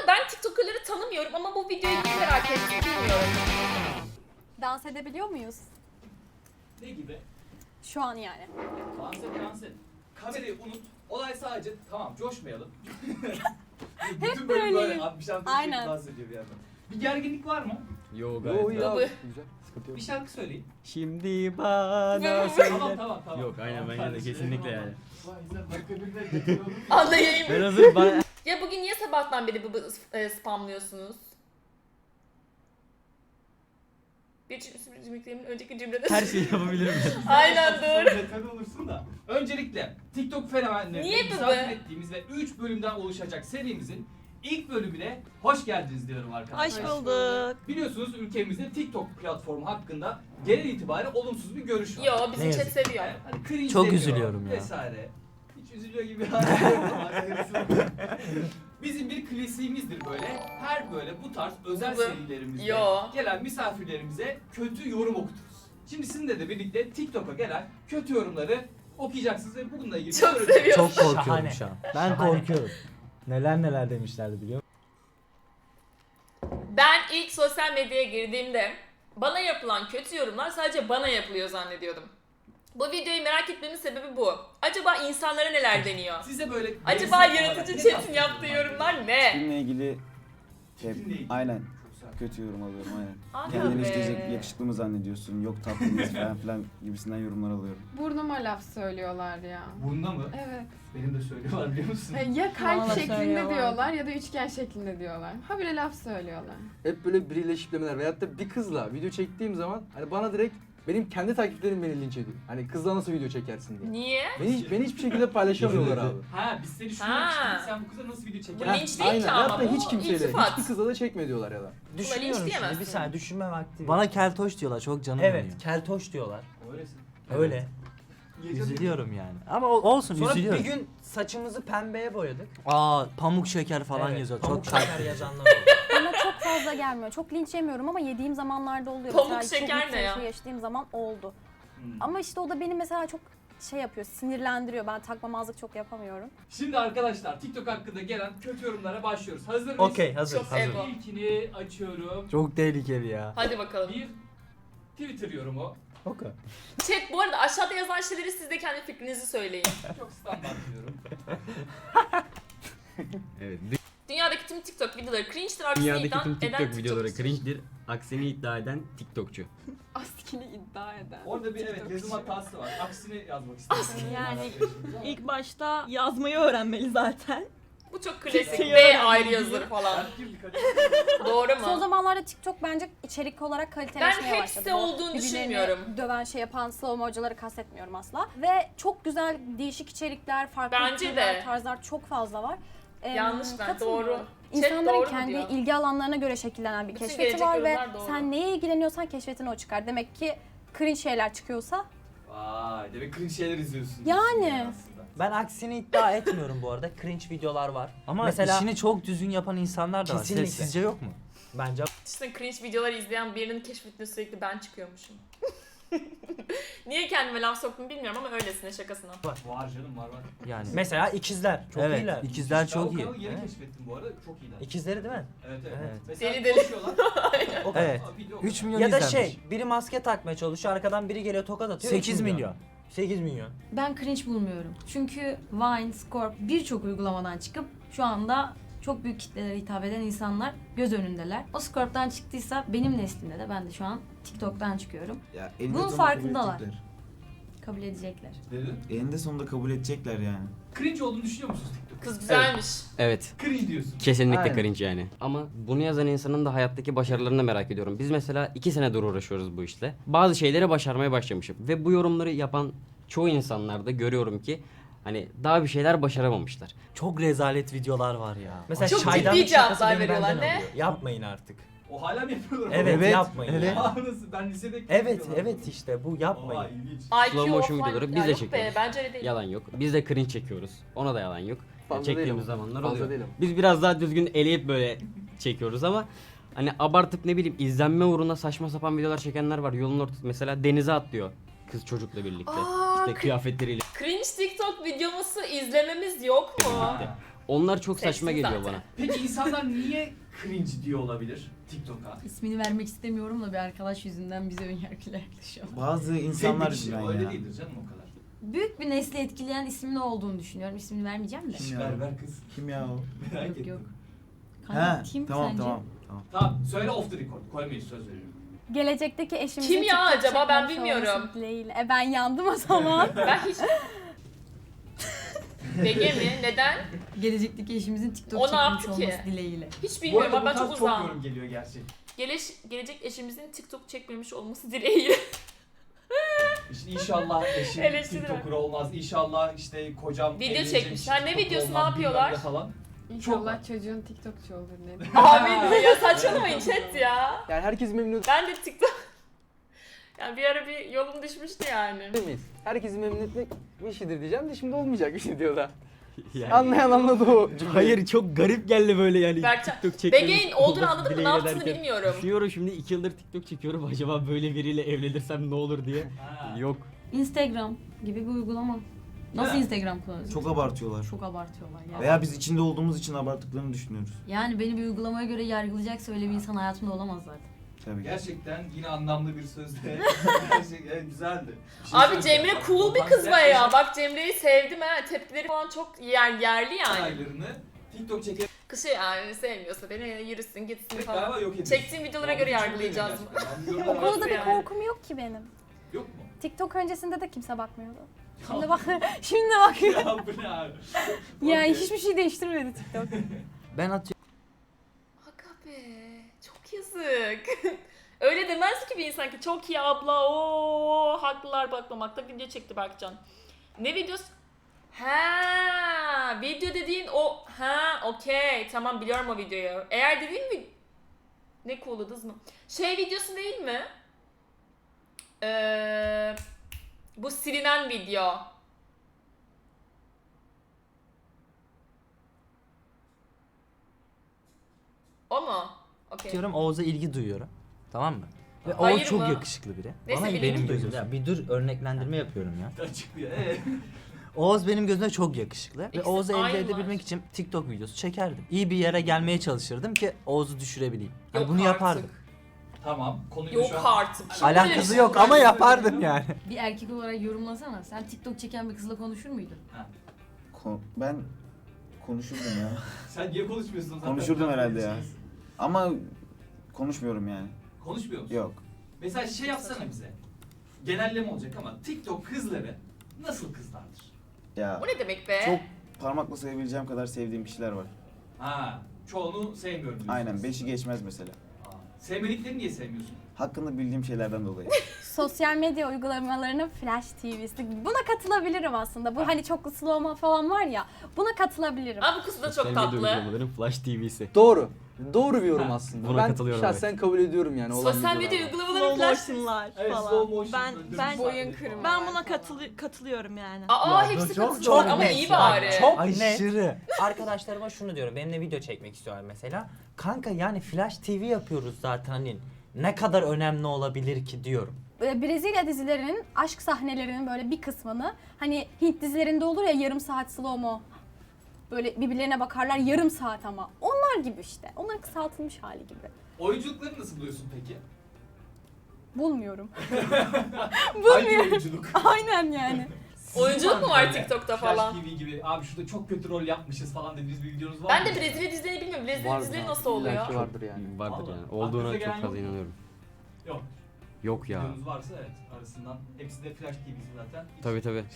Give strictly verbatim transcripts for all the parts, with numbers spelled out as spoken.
ben TikToker'ları tanımıyorum ama bu videoyu hiç merak ettim, bilmiyorum. Dans edebiliyor muyuz? Ne gibi? Şu an yani. Dans et, dans et. Kamerayı unut. Olay sadece tamam coşmayalım. Bütün bölüm böyle böyleyim. abi bir şarkı Aynen. dans ediyor bir yandan. Bir gerginlik var mı? Yo Yo gayet. ya. Baba. Güzel. Sıkıntı yok. Bir şarkı söyleyin. Şimdi bana Tamam söyle. tamam tamam. Yok aynen Tamam, bence de kardeşim. kesinlikle yani. Vay sen dakika bir de getir oğlum. Anlayayım. Ben hazır bana... Ya bugün niye sabahtan beri bu, bu e, spamlıyorsunuz? Bir cümle cümleklerin önceki cümlede... Her şeyi yapabilirim. Aynen doğru. Detaylı olursun da. Öncelikle TikTok fenomenlerini Niye bu misafir be? ettiğimiz ve üç bölümden oluşacak serimizin ilk bölümüne hoş geldiniz diyorum arkadaşlar. Hoş bulduk. Biliyorsunuz ülkemizde TikTok platformu hakkında genel itibariyle olumsuz bir görüş var. Yo bizim Ne chat yazık. seviyor. Yani hani cringe Çok deniyor üzülüyorum ya. Vesaire. Hiç üzülüyor gibi bir hali yok ama arkadaşlar. Bizim bir klasiğimizdir böyle. Her böyle bu tarz özel Bu- serilerimizde Yo. gelen misafirlerimize kötü yorum okuturuz. Şimdi sizinle de birlikte TikTok'a gelen kötü yorumları okuyacaksınız ve bununla ilgili Çok böyle- seviyorum. Çok korkuyorum Şahane. şu an. Ben korkuyorum. Neler neler demişlerdi biliyor musun? Ben ilk sosyal medyaya girdiğimde bana yapılan kötü yorumlar sadece bana yapılıyor zannediyordum. Bu videoyu merak etmemin sebebi bu. Acaba insanlara neler deniyor? Size böyle Acaba destek yaratıcı olarak ne chat'in tavsiye yaptığı ediyorlar? yorumlar ne? Filmle ilgili şey, Filmle ilgili. aynen Çok güzel. kötü yorum alıyorum aynen. Aga Kendini be. işte yakışıklı mı zannediyorsun, yok tatlı mıyız falan filan gibisinden yorumlar alıyorum. Burnuma laf söylüyorlar ya. Bunda mı? Evet. Benim de söylüyorlar biliyor musun? Ha, Ya kalp Bana da şeklinde söylüyorlar. diyorlar ya da üçgen şeklinde diyorlar. Habire laf söylüyorlar. Hep böyle biriyle eşitlemeler veyahut da bir kızla video çektiğim zaman hani bana direkt benim kendi takipçilerim beni linç ediyor. Hani kızla nasıl video çekersin diye. Niye? Beni, beni hiçbir şekilde paylaşamıyorlar abi. Ha biz seni şuna Ha. çıktık sen bu kıza nasıl video Bu çekersin? linç değil Aynen. ki ama. Veyahut da Bu hiç kimseyle, iltifat. hiçbir kızla da çekme diyorlar ya da. Düşünüyorum şimdi diyemezsin. bir saniye düşünme vakti. Bana keltoş diyorlar çok canım evet yanıyor. keltoş diyorlar. Öylesin. Öyle. Üzülüyorum yani. Ama o- olsun Sonra üzülüyorum. bir gün saçımızı pembeye boyadık. Aa pamuk şeker falan Evet, yazıyor. Pamuk Çok şeker yazanlar oldu. Bana çok fazla gelmiyor. Çok linç yemiyorum ama yediğim zamanlarda oluyor. Pamuk Mesela şeker çok ne ya? bir şey yaşadığım zaman oldu. Hmm. Ama işte o da beni mesela çok şey yapıyor, sinirlendiriyor. Ben takmamazlık çok yapamıyorum. Şimdi arkadaşlar TikTok hakkında gelen kötü yorumlara başlıyoruz. Hazır mıyız? Okey hazır Çok hazır. ego. İlkini açıyorum. Çok tehlikeli ya. Hadi bakalım. Bir Twitter yorumu. Okey. Chat bu arada aşağıda yazan şeyleri siz de kendi fikrinizi söyleyin. Çok standart diyorum. Evet. Dünyadaki tüm TikTok videoları cringe'dir, aksini Dünyadaki iddia tüm eden TikTok videoları TikTokçudur. cringe'dir. Aksini iddia eden TikTokçu. Askini iddia eden. Orada bir evet yazım hatası var. Aksini yazmak istedim. Yani İlk başta yazmayı öğrenmeli zaten. Bu çok klasik. Kesin B yani. ayrı yazılır falan. Ben girdik hadi. Doğru Son mu? zamanlarda TikTok bence içerik olarak kaliteleşmeye Ben başladı. hepsi Bu olduğunu birbirlerini düşünmüyorum. Döven şey yapan slow hocaları kastetmiyorum asla. Ve çok güzel değişik içerikler, farklı Bence türler, de. tarzlar çok fazla var. Ee, Yanlış ben, katılmıyorum. doğru. Chat İnsanların doğru mu kendi diyor? ilgi alanlarına göre şekillenen bir Bütün keşfeti gelecek var ve yorumlar doğru. sen neye ilgileniyorsan keşfetine o çıkar. Demek ki cringe şeyler çıkıyorsa Vay demek cringe şeyler izliyorsun. Yani. aslında. Ben aksini iddia etmiyorum bu arada. Cringe videolar var. Ama Mesela işini çok düzgün yapan insanlar da var. Kesinlikle. Siz- Sizce yok mu? bence İşte cringe videolar izleyen birinin keşfetine sürekli ben çıkıyormuşum. Niye kendime laf soktum bilmiyorum ama öylesine şakasına. Var canım var var. Yani. mesela ikizler çok evet, iyiler. ikizler Ben çok o iyi. kanalı yeni Evet. keşfettim bu arada. Çok iyiler. İkizleri değil mi? Evet evet. Evet. Mesela Deli deli. konuşuyorlar. O kadar. Evet. Aa, video- üç milyon Ya da izlenmiş. şey biri maske takmaya çalışıyor arkadan biri geliyor tokat atıyor. sekiz üç milyon. sekiz milyon. Ben cringe bulmuyorum. Çünkü Vine, Scorp birçok uygulamadan çıkıp şu anda çok büyük kitlelere hitap eden insanlar göz önündeler. O Scorp'tan çıktıysa benim neslimde de ben de şu an TikTok'tan çıkıyorum. Ya, Bunun farkındalar. Kabul edecekler. Dedin. Eninde sonunda kabul edecekler yani. Cringe olduğunu düşünüyor musunuz TikTok? Kız güzelmiş. Evet. Cringe diyorsun. Kesinlikle Aynen. cringe yani. Ama bunu yazan insanın da hayattaki başarılarını merak ediyorum. Biz mesela iki senedir uğraşıyoruz bu işle. Bazı şeyleri başarmaya başlamışım. Ve bu yorumları yapan çoğu insanlarda görüyorum ki hani daha bir şeyler başaramamışlar. Çok rezalet videolar var ya. Mesela Çok çaydanlık ciddi cevaplar şakası beni veriyorlar, benden ne? alıyor. Yapmayın artık. O hala mı yapıyorlar? Evet, Evet, yapmayın. evet. ya. Aa, nasıl? Ben lisedeki Evet evet işte bu Oha yapmayın. ilginç. I Q Slow motion offline- videoları biz Ya de yok be, çekiyoruz. bence öyle değil. Yalan yok. Biz de cringe çekiyoruz. Ona da yalan yok. Fazla Çektiğimiz değil ama. zamanlar Fazla oluyor. değil ama. Biz biraz daha düzgün eleyip böyle çekiyoruz ama hani abartıp ne bileyim izlenme uğruna saçma sapan videolar çekenler var. Yolun ortası mesela denize atlıyor kız çocukla birlikte. Aa, işte kıyafetleriyle Cringe TikTok videomuzu izlememiz yok mu? birlikte. Onlar çok Sesli saçma geliyor zaten. bana. Peki insanlar niye cringe diyor olabilir TikTok'a? İsmini vermek istemiyorum da bir arkadaş yüzünden bize önyargıyla yaklaşıyor. Bazı insanlar Tek bir yüzünden şey, öyle ya. değildir canım o kadar. Büyük bir nesli etkileyen ismin olduğunu düşünüyorum. İsmini vermeyeceğim de. Kim ya? Ver ver kız. Kim ya o? Merak Yok ettim. yok. He, Kanka, kim tamam sence? tamam. Tamam. Tamam söyle off the record. Koymayız söz veriyorum. Gelecekteki eşimizin Kim ya TikTok acaba? Ben çekmemiş olması bilmiyorum. dileğiyle. E ben yandım o zaman. Ben hiç... B G mi? Neden? Gelecekteki eşimizin TikTok O ne çekmiş yaptı ki? olması dileğiyle. Hiç Bu bilmiyorum arada ama bu ben tarz çok çok uzağım. yorum geliyor gerçek. Geleş, gelecek eşimizin TikTok çekmemiş olması dileğiyle. İşte inşallah eşim Eleştiriler. TikToker olmaz. İnşallah işte kocam Video evlenecek, çekmişler. Ne TikTok videosu, ne olmaz, yapıyorlar? bilmem ne Falan. İnşallah çocuğun TikTokçu olur ne Abi ya saçmalamayın chat ya. Yani herkes memnun Ben de TikTok... Yani bir ara bir yolum düşmüştü yani. edemeyiz. Herkesi memnun etmek bir şeydir diyeceğim de şimdi olmayacak bir şey diyor da. Yani- Anlayan anladı o cümleyi. Hayır çok garip geldi böyle yani. Berkcan, TikTok çekmemiş B G'nin olduğunu olması anladım mı? Ne dileğiyle yaptığını derken- bilmiyorum. Düşünüyorum şimdi iki yıldır TikTok çekiyorum. Acaba böyle biriyle evlenirsem ne olur diye. Ha. Yok. Instagram gibi bir uygulama. Nasıl Evet. Instagram kullanıyorsun? Çok abartıyorlar. Çok abartıyorlar ya. Veya biz içinde olduğumuz için abarttıklarını düşünüyoruz. Yani beni bir uygulamaya göre yargılayacaksa öyle bir insan hayatımda olamaz zaten. Tabii ki. Gerçekten yine anlamlı bir sözle. Gerçekten güzeldi. Bir şey Abi söyleyeceğim. Cemre Bak, cool bir bak, kız sen baya ya. yaşam Bak Cemre'yi sevdim ha. Tepkileri falan çok yer, yerli yani. olaylarını TikTok çekerek Kız şey yani sevmiyorsa beni yürüsün gitsin falan. galiba yok ediyor. Çektiğim videolara göre yargılayacağız. O konuda bir yani? korkum yok ki benim. Yok mu? TikTok öncesinde de kimse bakmıyordu. Şimdi Ya, bak, şimdi bakıyor. ya bu ne abi? Yani Okey. hiçbir şey değiştirmedi TikTok. Ben atıyorum. Aga be. Çok yazık. Öyle demez ki bir insan ki çok iyi abla o haklılar bakmamakta video çekti Berkcan. Ne videosu? Ha, video dediğin o ha okey tamam biliyorum o videoyu. Eğer dediğin mi ne cool'u dız mı? Şey videosu değil mi? Ee, bu silinen video. O mu? Okey. Atıyorum Oğuz'a ilgi duyuyorum. Tamam mı? Ve Hayır Oğuz çok mı? yakışıklı biri. Neyse, Bana bilgi benim duyuyorsun. gözümde. Ya bir dur örneklendirme yapıyorum ya. Açıklıyor. Ee, Oğuz benim gözümde çok yakışıklı. Ve İkisi Oğuz'u elde aynı edebilmek var. için TikTok videosu çekerdim. İyi bir yere gelmeye çalışırdım ki Oğuz'u düşürebileyim. Yani Yok bunu artık. yapardım. tamam. Konuyu Yok şu an... artık. Kim Alakası böyle şey yok yapar? ama yapardım yani. Bir erkek olarak yorumlasana. Sen TikTok çeken bir kızla konuşur muydun? Ko- ben konuşurdum ya. Sen niye konuşmuyorsun zaten? Konuşurdum herhalde ya. Şeyiz. Ama konuşmuyorum yani. Konuşmuyor musun? Yok. Mesela şey yapsana bize. Genelleme olacak ama TikTok kızları nasıl kızlardır? Ya Bu ne demek be? çok parmakla sayabileceğim kadar sevdiğim kişiler var. Ha, çoğunu sevmiyorum diyorsunuz. Aynen beşi geçmez mesela. Aa, sevmediklerini niye sevmiyorsun? Hakkında bildiğim şeylerden dolayı. Sosyal medya uygulamalarının Flash T V'si. Buna katılabilirim aslında. Bu hani çok slow mo falan var ya. Buna katılabilirim. Aa bu kız da çok Sosyal medya tatlı. uygulamaların Flash T V'si. Doğru. Doğru bir yorum Ha, aslında. buna ben katılıyorum, şahsen kabul ediyorum yani olan Sosyal medya videolarda. uygulamaları Slow flash. motion'lar Evet, falan. slow motion. ben böyle ben dümdüz Boyun sahne kırma. ben buna katılı katılıyorum yani. Aa Ya, hepsi çok- katılıyorlar çok ama net iyi ya. bari. Çok Aşırı. Arkadaşlarıma şunu diyorum. Benimle video çekmek istiyorlar mesela. Kanka yani Flash T V yapıyoruz zaten hani. Ne kadar önemli olabilir ki diyorum. Böyle Brezilya dizilerinin aşk sahnelerinin böyle bir kısmını hani Hint dizilerinde olur ya yarım saat slow mo. Böyle birbirlerine bakarlar yarım saat ama. Onlar gibi işte. Onların kısaltılmış hali gibi. Oyunculukları nasıl buluyorsun peki? Bulmuyorum. Hangi oyunculuk? Aynen yani. Oyunculuk mu var Böyle TikTok'ta Flash falan? T V gibi abi şurada çok kötü rol yapmışız falan dediğiniz bir videonuz var Ben mı? de Brezilya dizilerini bilmiyorum. Brezilya Vardır dizileri abi, nasıl oluyor? illaki vardır yani. Vardır Vallahi. yani. Olduğuna Aklınıza gelen çok fazla yok mu? inanıyorum. Yok. Yok ya. Videonuz varsa evet arasından. Hepsi de Flash T V'si zaten. Hiç- Tabii tabii.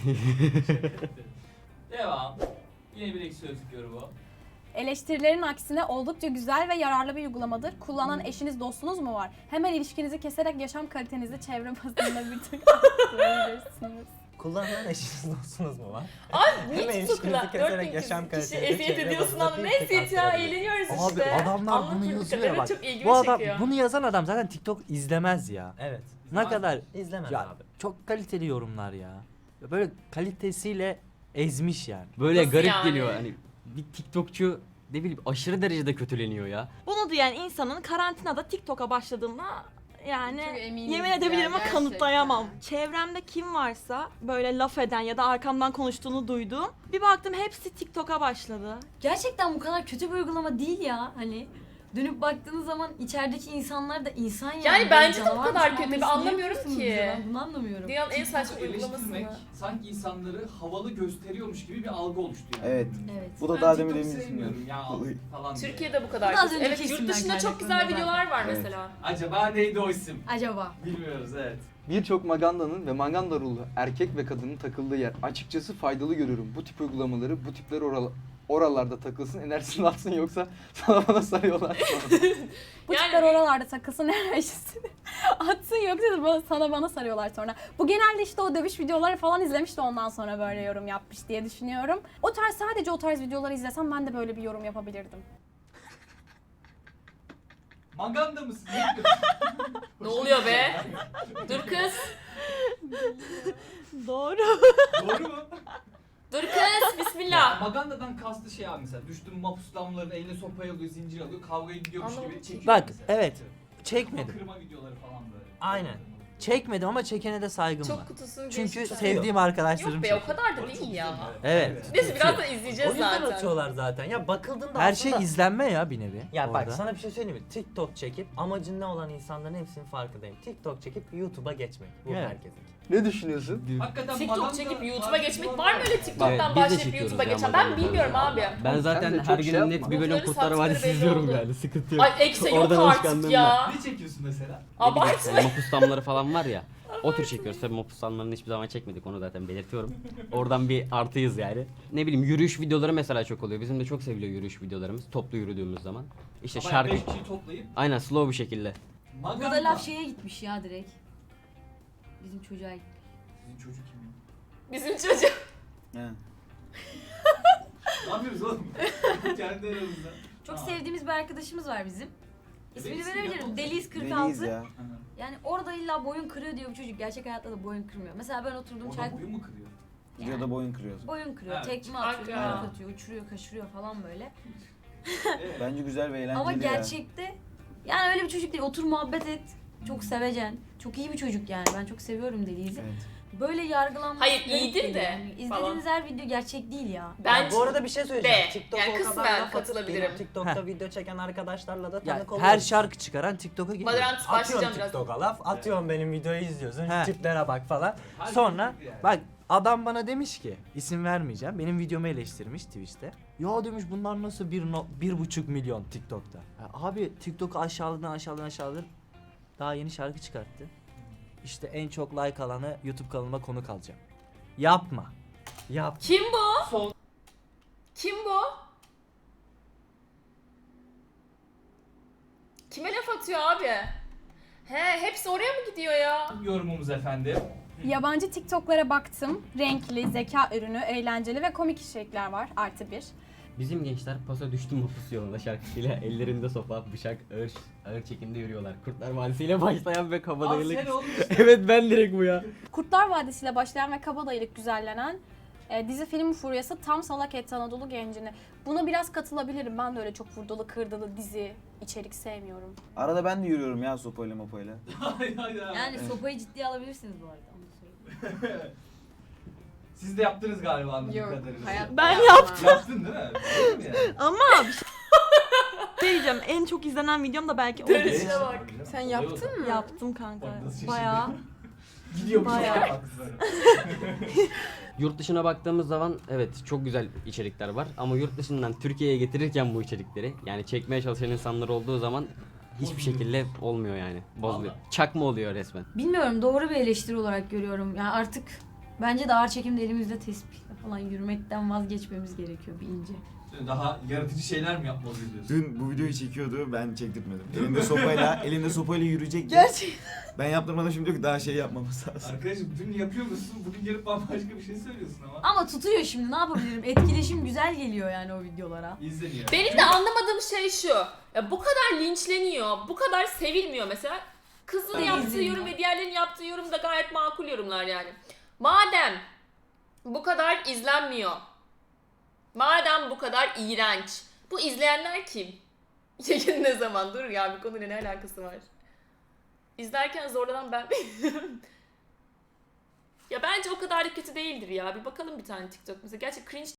Devam. Yine bir ekşi sözlük yorumu. Eleştirilerin aksine oldukça güzel ve yararlı bir uygulamadır. Kullanan eşiniz, dostunuz mu var? Hemen ilişkinizi keserek yaşam kalitenizi çevre bazında bir tık arttırabilirsiniz. Kullanan eşiniz dostunuz mu var? Abi niye Hemen TikTok'la ilişkinizi dört keserek bin yaşam kişi kalitenizi eziyet çevre ediyorsun bazında ama bir ne tık eziyet ya arttırabilir. eğleniyoruz Abi işte. adamlar bunu Anlatıyor yazıyor kadar, ya bak. çok ilgimi Bu adam çekiyor. bunu yazan adam zaten TikTok izlemez ya. Evet. Ne kadar İzlemez ya abi. çok kaliteli yorumlar ya. Ya böyle kalitesiyle ezmiş yani. Böyle Nasıl garip yani? geliyor hani bir TikTokçu ne bileyim aşırı derecede kötüleniyor ya. Bunu diyen insanın karantinada TikTok'a başladığında yani Çok eminiz yemin ya, edebilirim ama gerçekten. kanıtlayamam. Çevremde kim varsa böyle laf eden ya da arkamdan konuştuğunu duyduğum bir baktım hepsi TikTok'a başladı. Gerçekten bu kadar kötü bir uygulama değil ya. Hani dönüp baktığınız zaman içerideki insanlar da insan yani. Yani Böyle bence de bu canavar kadar muamelesi kötü. Ben niye anlamıyorum yapıyorsunuz ki. bize? Ben bunu anlamıyorum. Dünyanın en saçma TikTok'u uygulaması eleştirmek mı? sanki insanları havalı gösteriyormuş gibi bir algı oluştu yani. Evet. Evet. Bu da Ben daha demin TikTok emin sevmiyorum ya Olayı. falan diye. Türkiye'de bu kadar Bu da az kötü. önceki Evet, yurt isimden dışında çok kaynaklanıyor güzel zaten. videolar var Evet. mesela. Acaba neydi o isim? Acaba? Bilmiyoruz evet. Birçok magandanın ve maganda ruhlu erkek ve kadının takıldığı yer. Açıkçası faydalı görüyorum. Bu tip uygulamaları, bu tipler oral oralarda takılsın, enerjisini atsın yoksa sana bana sarıyorlar. Bu Yani- tipler oralarda takılsın enerjisini atsın yoksa da bana- sana bana sarıyorlar sonra. Bu genelde işte o dövüş videoları falan izlemiş de ondan sonra böyle yorum yapmış diye düşünüyorum. O tarz sadece o tarz videoları izlesem ben de böyle bir yorum yapabilirdim. Maganda mısın? Ne diyorsun? Ne oluyor be? Dur kız. Doğru. Doğru mu? Dur kız. Ya, Bismillah. Magandadan kastı şey abi mesela. Düştüm mapuslamların eline sopayı alıyor, zincir alıyor, kavgaya gidiyormuş Anlamadım gibi ki. çekiyor. Bak, mesela. evet. Kafa Çekmedim. kırma videoları falan böyle. Aynen. Çekmedim ama çekene de saygım var. Çok kutusunu Çünkü geçmiş. sevdiğim arkadaşlarım Yok be çekiyor. o kadar da O çok değil güzel, ya. Evet. Neyse biraz da O izleyeceğiz yüzden zaten. atıyorlar zaten. Ya bakıldığında Her aslında... şey izlenme ya bir nevi. Ya orada. bak sana bir şey söyleyeyim mi? TikTok çekip amacın ne olan insanların hepsinin farkındayım. TikTok çekip YouTube'a geçmek. Bu Evet. herkesin. Ne düşünüyorsun? Hakikaten TikTok maganda çekip YouTube'a tarzı geçmek videolar var mı öyle TikTok'tan Evet, biz de başlayıp çekiyoruz YouTube'a ya geçen? Ben maganda bilmiyorum tarzı. abi. Ben Sen de zaten çok her şey günün net yapma. bir bölüm Bunları Kurtlar sattıkları Vadisi belli izliyorum oldu. yani. Sıkıntı yok. Ay ekse yok Oradan artık alışkanlığım ya. Ne çekiyorsun mesela? Abartma. Yani mapus damları falan var ya. O tür çekiyoruz. Tabii mapus damlarını hiçbir zaman çekmedik. Onu zaten belirtiyorum. Oradan bir artıyız yani. Ne bileyim yürüyüş videoları mesela çok oluyor. Bizim de çok seviliyor yürüyüş videolarımız. Toplu yürüdüğümüz zaman. İşte Ama şarkı. beş kişiyi toplayıp Aynen slow bir şekilde. maganda. Burada laf şeye gitmiş ya direkt. Bizim çocuğa gitmiş. Bizim çocuk kim ya? Bizim çocuk. He. Ne yapıyoruz oğlum? Kendi aramızda. Çok Tamam. sevdiğimiz bir arkadaşımız var bizim. İsmini Reis mi? verebilirim. Yapalım. Deliyiz kırk Deliyiz altı. ya. Aha. Yani orada illa boyun kırıyor diyor bu çocuk. Gerçek hayatta da boyun kırmıyor. Mesela ben oturdum çay... Oradan boyun mu kırıyor? Videoda boyun kırıyoruz. Boyun kırıyor, Evet. tekme atıyor, Aga. yumruk atıyor, uçuruyor, kaşırıyor falan böyle. Evet. Bence güzel ve eğlenceli Ama ya. gerçekte yani öyle bir çocuk değil. Otur muhabbet et. Çok sevecen. Çok iyi bir çocuk yani. Ben çok seviyorum Deliyiz'i. Evet. Böyle yargılanması Hayır, garip iyidir geliyor de yani. İzlediğiniz falan. her video gerçek değil ya. Ya Bence bu arada bir şey söyleyeceğim. de. TikTok'a Yani o kadar kısmen laf atıp katılabilirim. benim TikTok'ta video çeken arkadaşlarla da Ya, tanık oluyoruz. her şarkı çıkaran TikTok'a giriyor. Valorant başlayacağım Atıyorum biraz. TikTok'a laf, atıyorum benim videoyu izliyorsun, He. tiplere bak falan. Her Sonra şey yani. bak adam bana demiş ki isim vermeyeceğim. Benim videomu eleştirmiş Twitch'te. Ya demiş bunlar nasıl bir, no, bir buçuk milyon TikTok'ta. Ya abi TikTok'u aşağıladın aşağıladın aşağıladın. Daha yeni şarkı çıkarttı. İşte en çok like alanı YouTube kanalıma konuk alacağım. Yapma. Yap. Kim bu? Son Kim bu? Kime laf atıyor abi? He, hepsi oraya mı gidiyor ya? yorumumuz efendim. Yabancı TikTok'lara baktım. Renkli, zeka ürünü, eğlenceli ve komik içerikler var. Artı bir. Bizim gençler pasa düştü mapus yolunda şarkısıyla ellerinde sopa, bıçak, ağır, ağır çekimde yürüyorlar. Kurtlar Vadisi'yle başlayan ve Abi kabadayılık. sen oğlum işte. Evet ben direkt bu ya. Kurtlar Vadisi ile başlayan ve kabadayılık güzellenen e, dizi film furyası tam salak etti Anadolu gencini. Buna biraz katılabilirim. Ben de öyle çok vurdulu kırdılı dizi içerik sevmiyorum. Arada ben de yürüyorum ya sopayla mopayla. Hay hay hay. Yani sopayı ciddiye alabilirsiniz bu arada. Onu da söyleyeyim. Siz de yaptınız galiba anladığım Yok, kadarıyla. hayatta Ben yapmam. yaptım. Yaptın değil mi? Değil mi yani? Ama bir şey şey diyeceğim. En çok izlenen videom da belki o. Dönüşüne bak. Sen yaptın mı? Yaptım kanka. Bak nasıl şaşırdı. Bayağı. Gidiyormuş Bayağı. ya. Yurt dışına baktığımız zaman evet çok güzel içerikler var ama yurt dışından Türkiye'ye getirirken bu içerikleri yani çekmeye çalışan insanlar olduğu zaman hiçbir Bozuluyor. şekilde olmuyor yani. Bozuluyor. Vallahi. Çakma oluyor resmen. Bilmiyorum, doğru bir eleştiri olarak görüyorum. Yani artık bence de ağır çekimde elimizde tespihle falan yürümekten vazgeçmemiz gerekiyor bir ince. Daha yaratıcı şeyler mi yapmalıyız diyorsun? Dün bu videoyu çekiyordu ben çektirtmedim. Elinde sopayla, elinde sopayla yürüyecek. Gerçekten. Ben yaptırmadım şimdi diyor ki daha şey yapmamız lazım. Arkadaşım dün yapıyor musun? Bugün gelip bambaşka bir şey söylüyorsun ama. Ama tutuyor şimdi, ne yapabilirim? Etkileşim güzel geliyor yani o videolara. İzleniyor. Benim de anlamadığım şey şu. Ya bu kadar linçleniyor, bu kadar sevilmiyor mesela. Kızın Evet. yaptığı yorum ve diğerlerinin yaptığı yorum da gayet makul yorumlar yani. Madem bu kadar izlenmiyor, madem bu kadar iğrenç, bu izleyenler kim? Yayın ne zaman? Dur ya, bir konuyla ne alakası var? İzlerken zorlanan ben miyim? Ya bence o kadar da kötü değildir ya. Bir bakalım bir tane TikTok mesela. Gerçi cringe